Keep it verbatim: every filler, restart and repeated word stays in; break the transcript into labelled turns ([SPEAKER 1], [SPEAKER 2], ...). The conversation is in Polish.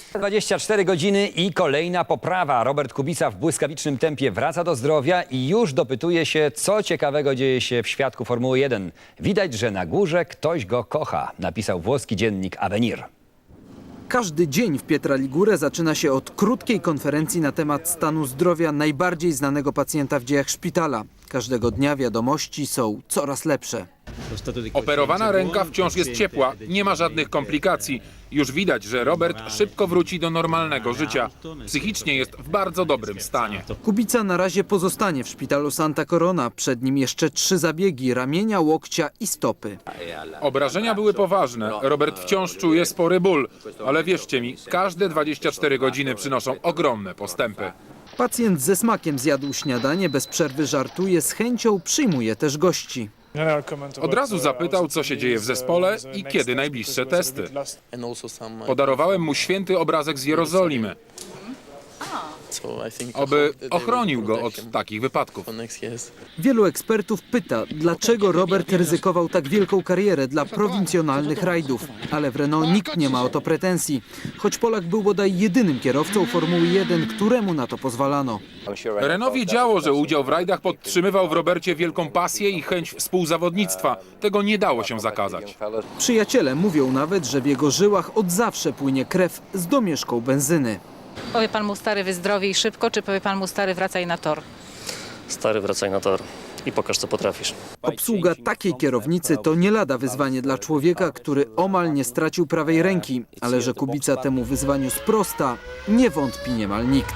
[SPEAKER 1] dwadzieścia cztery godziny i kolejna poprawa. Robert Kubica w błyskawicznym tempie wraca do zdrowia i już dopytuje się, co ciekawego dzieje się w świadku Formuły jeden. Widać, że na górze ktoś go kocha, napisał włoski dziennik Avenir.
[SPEAKER 2] Każdy dzień w Pietra Ligure zaczyna się od krótkiej konferencji na temat stanu zdrowia najbardziej znanego pacjenta w dziejach szpitala. Każdego dnia wiadomości są coraz lepsze.
[SPEAKER 3] Operowana ręka wciąż jest ciepła, nie ma żadnych komplikacji. Już widać, że Robert szybko wróci do normalnego życia. Psychicznie jest w bardzo dobrym stanie.
[SPEAKER 2] Kubica na razie pozostanie w szpitalu Santa Corona. Przed nim jeszcze trzy zabiegi ramienia, łokcia i stopy.
[SPEAKER 3] Obrażenia były poważne. Robert wciąż czuje spory ból. Ale wierzcie mi, każde dwadzieścia cztery godziny przynoszą ogromne postępy.
[SPEAKER 2] Pacjent ze smakiem zjadł śniadanie, bez przerwy żartuje, z chęcią przyjmuje też gości.
[SPEAKER 3] Od razu zapytał, co się dzieje w zespole i kiedy najbliższe testy. Podarowałem mu święty obrazek z Jerozolimy, aby ochronił go od takich wypadków.
[SPEAKER 2] Wielu ekspertów pyta, dlaczego Robert ryzykował tak wielką karierę dla prowincjonalnych rajdów. Ale w Renault nikt nie ma o to pretensji. Choć Polak był bodaj jedynym kierowcą Formuły jeden, któremu na to pozwalano.
[SPEAKER 3] Renault wiedziało, że udział w rajdach podtrzymywał w Robercie wielką pasję i chęć współzawodnictwa. Tego nie dało się zakazać.
[SPEAKER 2] Przyjaciele mówią nawet, że w jego żyłach od zawsze płynie krew z domieszką benzyny.
[SPEAKER 4] Powie pan mu, stary, wyzdrowiej szybko, czy powie pan mu, stary, wracaj na tor?
[SPEAKER 5] Stary, wracaj na tor i pokaż, co potrafisz.
[SPEAKER 2] Obsługa takiej kierownicy to nie lada wyzwanie dla człowieka, który omal nie stracił prawej ręki. Ale że Kubica temu wyzwaniu sprosta, nie wątpi niemal nikt.